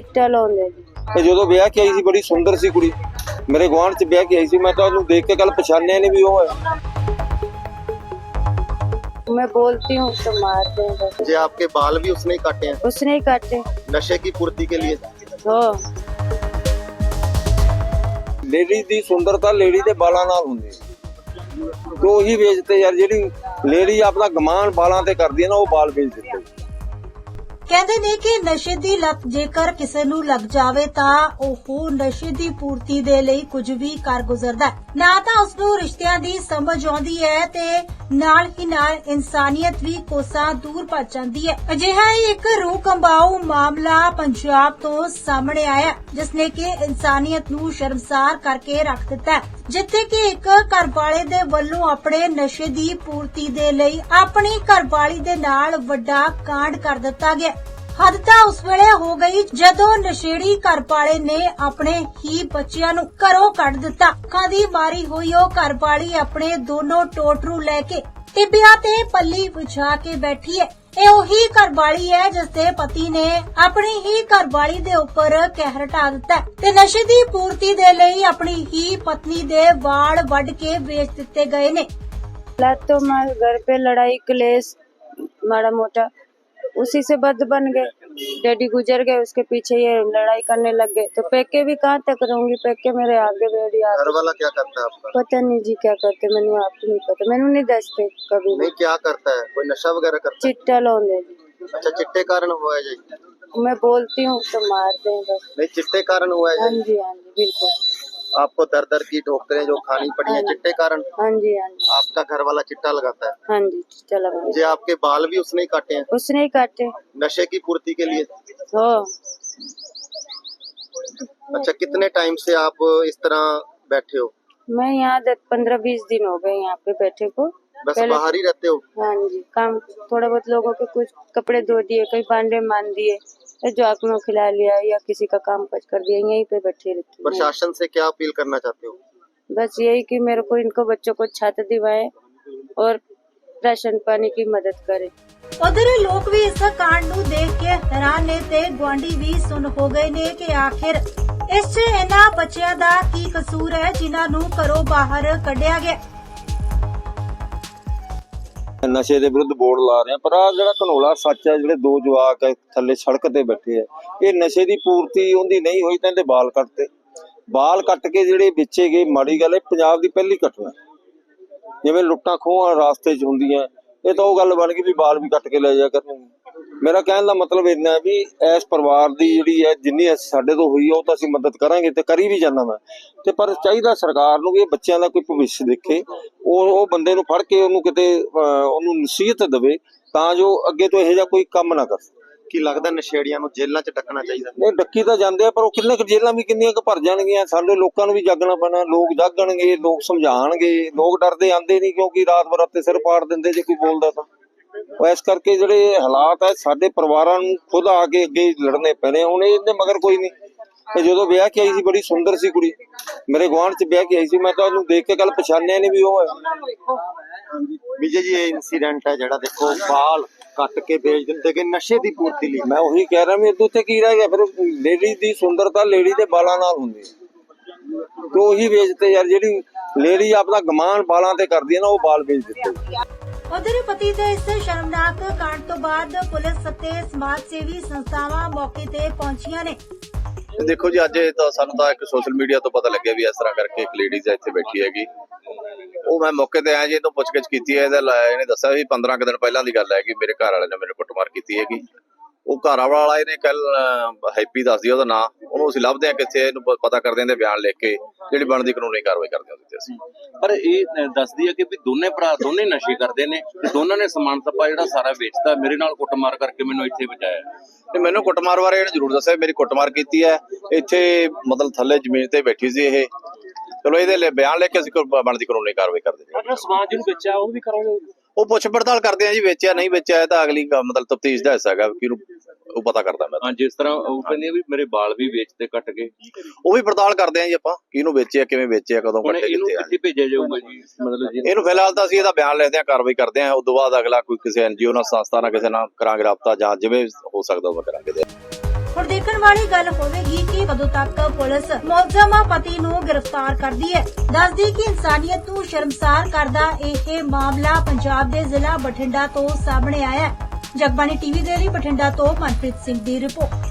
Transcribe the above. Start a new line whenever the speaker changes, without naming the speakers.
चिट्टा लाउंदे जी।
ਤੇ ਜਦੋਂ ਵਿਆਹ ਕੇ ਆਈ ਸੀ ਬੜੀ ਸੁੰਦਰ ਸੀ ਕੁੜੀ, ਮੇਰੇ ਗੁਆਂਢ ਚ ਵਿਆਹ ਕੇ ਆਈ ਸੀ। ਮੈਂ ਤਾਂ ਉਹਨੂੰ ਦੇਖ ਕੇ ਕੱਲ ਪਛਾਣਿਆ ਨਹੀਂ ਵੀ ਉਹ ਹੈ।
मैं बोलती हूँ तो मारते हैं बस।
जी आपके बाल भी उसने ही काटे हैं
उसने ही काटे।
नशे की पूर्ति के लिए।
हो
ਲੇਡੀ ਦੀ ਸੁੰਦਰਤਾ ਲੇਡੀ ਦੇ ਬਾਲਾਂ ਨਾਲ ਹੁੰਦੀ ਹੈ। ਤੇ ਉਹੀ ਵੇਚਦੇ ਯਾਰ, ਜਿਹੜੀ ਲੇਡੀ ਆਪਣਾ ਗਮਾਨ ਬਾਲਾਂ ਤੇ ਕਰਦੀ ਹੈ ਨਾ, ਉਹ ਬਾਲ ਵੇਚ ਦਿੰਦੇ।
ਕਹਿੰਦੇ ਨੇ ਕਿ ਨਸ਼ੇ ਦੀ ਲਤ ਜੇਕਰ ਕਿਸੇ ਨੂੰ ਲੱਗ ਜਾਵੇ ਤਾਂ ਉਹ ਨਸ਼ੇ ਦੀ ਪੂਰਤੀ ਦੇ ਲਈ ਕੁਝ ਵੀ ਕਰ ਗੁਜ਼ਰਦਾ ਹੈ। ਨਾ ਤਾਂ ਉਸ ਨੂੰ ਰਿਸ਼ਤਿਆਂ ਦੀ ਸਮਝ ਆਉਂਦੀ ਹੈ ਤੇ ਨਾਲ ਹੀ ਨਾਲ ਇਨਸਾਨੀਅਤ ਵੀ ਕੋਸਾਂ ਦੂਰ ਭੱਜ ਜਾਂਦੀ ਹੈ। ਅਜਿਹਾ ਹੀ ਇੱਕ ਰੂਹ ਕੰਬਾਊ ਮਾਮਲਾ ਪੰਜਾਬ ਤੋਂ ਸਾਹਮਣੇ ਆਇਆ, ਜਿਸ ਨੇ ਕਿ ਇਨਸਾਨੀਅਤ ਨੂੰ ਸ਼ਰਮਸਾਰ ਕਰਕੇ ਰੱਖ ਦਿੱਤਾ ਹੈ, ਜਿੱਥੇ ਕਿ ਇੱਕ ਘਰਵਾਲੇ ਦੇ ਵੱਲੋਂ ਆਪਣੇ ਨਸ਼ੇ ਦੀ ਪੂਰਤੀ ਦੇ ਲਈ ਆਪਣੀ ਘਰਵਾਲੀ ਦੇ ਨਾਲ ਵੱਡਾ ਕਾਂਡ ਕਰ ਦਿੱਤਾ ਗਿਆ। ਹੱਦ ਤਾਂ ਉਸ ਵੇਲੇ ਹੋ ਗਈ ਜਦੋਂ ਨਸ਼ੇੜੀ ਘਰਵਾਲੇ ਨੇ ਆਪਣੇ ਹੀ ਬੱਚਿਆਂ ਨੂੰ ਘਰੋਂ ਕੱਢ ਦਿੱਤਾ। ਅੱਖਾਂ ਦੀ ਮਾਰੀ ਹੋਈ ਉਹ ਘਰਵਾਲੀ ਆਪਣੇ ਦੋਨੋਂ ਟੋਟਰੂ ਲੈ ਕੇ ਟਿੱਬਿਆਂ ਤੇ ਪੱਲੀ ਵਿਛਾ ਕੇ ਬੈਠੀ ਹੈ। ਇਹ ਉਹੀ ਘਰਵਾਲੀ ਹੈ ਜਿਸ ਦੇ ਪਤੀ ਨੇ ਆਪਣੀ ਹੀ ਘਰਵਾਲੀ ਦੇ ਉੱਪਰ ਕਹਿਰ ਢਾ ਦਿੱਤਾ ਤੇ ਨਸ਼ੇ ਦੀ ਪੂਰਤੀ ਦੇ ਲਈ ਆਪਣੀ ਹੀ ਪਤਨੀ ਦੇ ਵਾਲ ਵੱਢ ਕੇ ਵੇਚ ਦਿੱਤੇ ਗਏ ਨੇ।
तो मैं घर पे लड़ाई क्लेश माड़ा मोटा उसी से बद बन गए। डैडी गुजर गए, उसके पीछे ये लड़ाई करने लग गए। तो पैके भी कहाँ तक रहूंगी, पैके मेरे आगे बेड़ी
घर
आगे।
वाला क्या करता है आपका?
पता नहीं जी क्या करते, मैंने आप नहीं पता, मैंने नहीं दसते कभी भी।
नहीं क्या करता है, कोई नशा वगैरह करता
चिट्टा लाउंदे जी।
है? अच्छा चिट्टे कारण हुआ है जी?
मैं बोलती हूँ तो मारते हैं बस।
नहीं चिट्टे कारण हुआ
हाँ
है जी?
जी हाँ जी बिल्कुल।
आपको दर दर की ठोकरें जो खानी पड़ी है चिट्टे कारण?
हाँ जी हाँ जी
आपका घर वाला चिट्टा लगाता है?
हाँ जी चिट्टा लगा।
जी आपके बाल भी उसने ही काटे हैं
उसने ही काटे।
नशे की पूर्ति के लिए?
हो
अच्छा कितने टाइम से आप इस तरह बैठे हो?
मैं यहाँ 15-20 दिन हो गए यहाँ पे बैठे को।
बस बाहर ही रहते हो?
हाँ जी, काम थोड़ा बहुत लोगों के कुछ कपड़े धो दिए, कहीं भांडे मान दिए, जो आँख में खिला लिया या किसी का काम काज कर दिया, यहीं पे बैठे रहती हूँ।
प्रशासन से क्या अपील करना चाहते हो?
बस यही कि मेरे को इनको बच्चों को छात्र दिवाए और राशन पानी की मदद करे।
ਉਧਰ ਲੋਕ ਵੀ ਇਸ ਕਾਂਡ ਨੂੰ ਦੇਖ ਕੇ ਹੈਰਾਨ ਨੇ ਤੇ ਗੁਆਂਢੀ ਵੀ ਸੁਣ ਹੋ ਗਏ ਨੇ ਕਿ ਆਖਿਰ ਇਸ 'ਚ ਇਹਨਾਂ ਬੱਚਿਆਂ ਦਾ ਕੀ ਕਸੂਰ ਹੈ ਜਿਨ੍ਹਾਂ ਨੂੰ ਘਰੋਂ ਬਾਹਰ ਕੱਢਿਆ ਗਿਆ।
ਨਸ਼ੇ ਦੇ ਵਿਰੁੱਧ ਬੋਰਡ ਲਾ ਰਹੇ ਆ, ਪਰ ਆ ਜਿਹੜਾ ਘਨੋਲਾ ਸੱਚ ਹੈ, ਜਿਹੜੇ ਦੋ ਜਵਾਕ ਹੈ ਥੱਲੇ ਸੜਕ ਤੇ ਬੈਠੇ ਆ, ਇਹ ਨਸ਼ੇ ਦੀ ਪੂਰਤੀ ਉਹਦੀ ਨਹੀਂ ਹੋਈ ਤਾਂ ਇਹਦੇ ਬਾਲ ਕੱਟਤੇ। ਬਾਲ ਕੱਟ ਕੇ ਜਿਹੜੇ ਵੇਚੇ ਗਏ, ਮਾੜੀ ਗੱਲ ਹੈ। ਪੰਜਾਬ ਦੀ ਪਹਿਲੀ ਘਟਨਾ, ਜਿਵੇਂ ਲੁੱਟਾਂ ਖੋਹਾਂ ਰਾਸਤੇ 'ਚ ਹੁੰਦੀਆਂ, ਇਹ ਤਾਂ ਉਹ ਗੱਲ ਬਣ ਗਈ ਵੀ ਬਾਲ ਵੀ ਕੱਟ ਕੇ ਲੈ ਜਾ ਕਰਨਗੇ। ਮੇਰਾ ਕਹਿਣ ਦਾ ਮਤਲਬ ਇੰਨਾ ਵੀ ਇਸ ਪਰਿਵਾਰ ਦੀ ਜਿਹੜੀ ਹੈ ਜਿੰਨੀ ਸਾਡੇ ਤੋਂ ਹੋਈ ਉਹ ਤਾਂ ਅਸੀਂ ਮਦਦ ਕਰਾਂਗੇ ਤੇ ਕਰੀ ਵੀ ਜਾਂਦਾ ਮੈਂ, ਤੇ ਪਰ ਚਾਹੀਦਾ ਸਰਕਾਰ ਨੂੰ ਵੀ ਇਹ ਬੱਚਿਆਂ ਦਾ ਕੋਈ ਭਵਿੱਖ ਦੇਖੇ, ਉਹ ਬੰਦੇ ਨੂੰ ਫੜ ਕੇ ਉਹਨੂੰ ਕਿਤੇ ਉਹਨੂੰ ਨਸੀਹਤ ਦੇਵੇ ਤਾਂ ਜੋ ਅੱਗੇ ਤੋਂ ਇਹੋ ਜਿਹਾ ਕੋਈ ਕੰਮ ਨਾ ਕਰ।
ਕੀ ਲੱਗਦਾ ਨਸ਼ੇੜੀਆਂ ਨੂੰ ਜੇਲ੍ਹਾਂ 'ਚ ਡੱਕਣਾ ਚਾਹੀਦਾ?
ਨਹੀਂ ਡੱਕੀ ਤਾਂ ਜਾਂਦੇ ਆ, ਪਰ ਉਹ ਕਿੰਨੇ ਕੁ ਜੇਲ੍ਹਾਂ ਵੀ ਕਿੰਨੀਆਂ ਕੁ ਭਰ ਜਾਣਗੀਆਂ। ਸਾਡੇ ਲੋਕਾਂ ਨੂੰ ਵੀ ਜਾਗਣਾ ਪੈਣਾ, ਲੋਕ ਜਾਗਣਗੇ, ਲੋਕ ਸਮਝਾਣਗੇ। ਲੋਕ ਡਰਦੇ ਆਂਦੇ ਨਹੀਂ ਕਿਉਂਕਿ ਰਾਤ ਬਰਾਤੇ ਸਿਰ ਪਾੜ ਦਿੰਦੇ ਜੇ ਕੋਈ ਬੋਲਦਾ ਤਾਂ। ਉਹ ਇਸ ਕਰਕੇ ਜਿਹੜੇ ਹਾਲਾਤ ਹੈ ਸਾਡੇ ਪਰਿਵਾਰਾਂ ਨੂੰ ਖੁਦ ਆ ਕੇ ਅੱਗੇ ਲੜਨੇ ਪੈਣੇ। ਹੁਣ ਇਹਦੇ ਮਗਰ ਕੋਈ ਨਹੀਂ। ਤੇ ਜਦੋਂ ਵਿਆਹ ਕੇ ਆਈ ਸੀ ਬੜੀ ਸੁੰਦਰ ਸੀ ਕੁੜੀ, ਮੇਰੇ ਗੁਆਂਢ ਚ ਵਿਆਹ ਕੇ ਆਈ ਸੀ। ਮੈਂ ਤਾਂ ਉਹਨੂੰ ਦੇਖ ਕੇ ਕੱਲ ਪਛਾਣਿਆ ਨਹੀਂ ਵੀ ਉਹ ਹੈ।
ਵਿਜੇ ਜੀ ਇਹ ਇਨਸੀਡੈਂਟ ਹੈ ਜਿਹੜਾ ਦੇਖੋ ਬਾਲ ਕੱਟ ਕੇ ਵੇਚ ਦਿੰਦੇ ਕਿ ਨਸ਼ੇ ਦੀ ਪੂਰਤੀ ਲਈ।
ਮੈਂ ਉਹੀ ਕਹਿ ਰਿਹਾ ਵੀ ਉੱਥੇ ਕੀ ਰਹਿ ਗਿਆ ਫਿਰ। ਲੇਡੀ ਦੀ ਸੁੰਦਰਤਾ ਲੇਡੀ ਦੇ ਬਾਲਾਂ ਨਾਲ ਹੁੰਦੀ ਹੈ, ਤੇ ਉਹੀ ਵੇਚਦੇ ਯਾਰ, ਜਿਹੜੀ ਲੇਡੀ ਆਪਣਾ ਗਮਾਨ ਬਾਲਾਂ ਤੇ ਕਰਦੀ ਹੈ ਨਾ, ਉਹ ਬਾਲ ਵੇਚ ਦਿੱਤੇ।
ਉਧਰ ਪਤੀ ਦੇ ਇਸ ਸ਼ਰਮਨਾਕ ਕਾਂਡ ਤੋਂ ਬਾਅਦ ਪੁਲਿਸ ਅਤੇ ਸਮਾਜ ਸੇਵੀ ਸੰਸਥਾਵਾਂ ਮੌਕੇ ਤੇ ਪਹੁੰਚੀਆਂ ਨੇ।
ਦੇਖੋ ਜੀ ਅੱਜ ਇਹ ਤਾਂ ਸਾਨੂੰ ਤਾਂ ਇੱਕ ਸੋਸ਼ਲ ਮੀਡੀਆ ਤੋਂ ਪਤਾ ਲੱਗਿਆ ਵੀ ਇਸ ਤਰ੍ਹਾਂ ਕਰਕੇ ਇੱਕ ਲੇਡੀਜ਼ ਇੱਥੇ ਬੈਠੀ ਹੈਗੀ। ਉਹ ਮੈਂ ਮੌਕੇ ਤੇ ਆਇਆ ਜੀ, ਇਹਨੂੰ ਪੁੱਛਗਿੱਛ ਕੀਤੀ ਹੈ। ਇਹਨੇ ਦੱਸਿਆ ਵੀ 15 ਕੁ ਦਿਨ ਪਹਿਲਾਂ ਦੀ ਗੱਲ ਹੈ ਕਿ ਮੇਰੇ ਘਰ ਵਾਲੇ ਨੇ ਮੇਰੇ ਕੁੱਟਮਾਰ ਕੀਤੀ ਹੈਗੀ। ਉਹ ਘਰ ਵਾਲਾ ਇਹਨੇ ਕੱਲ ਹੈਪੀ ਦੱਸਦੀ ਉਹਦਾ ਨਾਂ, ਉਹਨੂੰ ਅਸੀਂ ਲੱਭਦੇ ਹਾਂ ਕਿੱਥੇ, ਇਹਨੂੰ ਪਤਾ ਕਰਦੇ ਹਾਂ, ਬਿਆਨ ਲਿਖ ਕੇ ਜਿਹੜੀ ਬਣਦੀ ਕਾਨੂੰਨੀ ਕਾਰਵਾਈ ਕਰਦੇ ਹਾਂ ਉਹਦੇ ਤੇ ਅਸੀਂ।
ਪਰ ਇਹ ਦੱਸਦੀ ਹੈ ਕਿ ਵੀ ਦੋਨੇ ਭਰਾ ਦੋਨੇ ਨਸ਼ੇ ਕਰਦੇ ਨੇ ਤੇ ਦੋਨਾਂ ਨੇ ਸਮਾਨ ਸੱਪਾ ਜਿਹੜਾ ਸਾਰਾ ਵੇਚਦਾ, ਮੇਰੇ ਨਾਲ ਕੁੱਟਮਾਰ ਕਰਕੇ ਮੈਨੂੰ ਇੱਥੇ ਬਚਾਇਆ।
ਤੇ ਮੈਨੂੰ ਕੁੱਟਮਾਰ ਬਾਰੇ ਇਹਨੇ ਜ਼ਰੂਰ ਦੱਸਿਆ, ਮੇਰੀ ਕੁੱਟਮਾਰ ਕੀਤੀ ਹੈ ਇੱਥੇ, ਮਤਲਬ ਥੱਲੇ ਜ਼ਮੀਨ ਤੇ ਬੈਠੀ ਸੀ ਇਹ। ਚਲੋ ਇਹਦੇ ਲਈ ਬਿਆਨ ਲਿਖ ਕੇ ਅਸੀਂ ਬਣਦੀ ਕਾਨੂੰਨੀ ਕਾਰਵਾਈ ਕਰਦੇ ਹਾਂ।
ਸਮਾਨ ਜਿਹਨੂੰ ਵੇਚਿਆ ਉਹ ਵੀ ਕਰਾਂਗੇ,
ਉਹ ਪੁੱਛ ਪੜਤਾਲ ਕਰਦੇ ਆ ਜੀ, ਵੇਚਿਆ ਨਹੀਂ ਵੇਚਿਆ ਤਾਂ ਅਗਲੀ ਮਤਲਬ ਤਫਤੀਸ਼ ਦਾ ਹਿੱਸਾ ਹੈਗਾ, ਕਿਹਨੂੰ ਉਹ ਪਤਾ ਕਰਦਾ ਮੈਂ।
ਹਾਂ ਜਿਸ ਤਰ੍ਹਾਂ ਉਹ ਕਹਿੰਦੇ ਵੀ ਮੇਰੇ ਵਾਲ ਵੀ ਵੇਚਦੇ ਕੱਟ ਕੇ,
ਉਹ ਵੀ ਪੜਤਾਲ ਕਰਦੇ ਆ ਜੀ ਆਪਾਂ, ਕਿਹਨੂੰ ਵੇਚਿਆ, ਕਿਵੇਂ ਵੇਚਿਆ, ਕਦੋਂ ਕੱਟੇ,
ਇਹਨੂੰ
ਕਿੱਥੇ ਆ।
ਕਿੱਥੇ ਭੇਜਿਆ ਜਾਊਗਾ ਜੀ? ਮਤਲਬ ਜੀ
ਇਹਨੂੰ ਫਿਲਹਾਲ ਤਾਂ ਅਸੀਂ ਇਹਦਾ ਬਿਆਨ ਲੈਂਦੇ ਆ, ਕਾਰਵਾਈ ਕਰਦੇ ਆ। ਉਸ ਤੋਂ ਬਾਅਦ ਅਗਲਾ ਕੋਈ ਕਿਸੇ NGO ਨਾਲ, ਸੰਸਥਾ ਨਾਲ, ਕਿਸੇ ਨਾਲ ਕਰਾਂਗੇ ਰਾਬਤਾ, ਜਾਂ ਜਿਵੇਂ ਹੋ ਸਕਦਾ ਉਹ ਕਰਾਂਗੇ।
ਹੁਣ ਦੇਖਣ ਵਾਲੀ ਗੱਲ ਹੋਵੇਗੀ ਕਿ ਕਦੋਂ ਤੱਕ ਪੁਲਿਸ ਮੁਲਜ਼ਮ ਪਤੀ ਨੂੰ ਗ੍ਰਿਫਤਾਰ ਕਰਦੀ ਹੈ। ਦੱਸਦੀ ਕਿ ਇਨਸਾਨੀਅਤ ਨੂੰ ਸ਼ਰਮਸਾਰ ਕਰਦਾ ਇਹ ਮਾਮਲਾ ਪੰਜਾਬ ਦੇ ਜ਼ਿਲ੍ਹਾ ਬਠਿੰਡਾ ਤੋਂ ਸਾਹਮਣੇ ਆਇਆ ਹੈ। ਜਗਬਾਣੀ ਟੀਵੀ ਦੇ ਲਈ ਬਠਿੰਡਾ ਤੋਂ ਮਨਪ੍ਰੀਤ ਸਿੰਘ ਦੀ ਰਿਪੋਰਟ।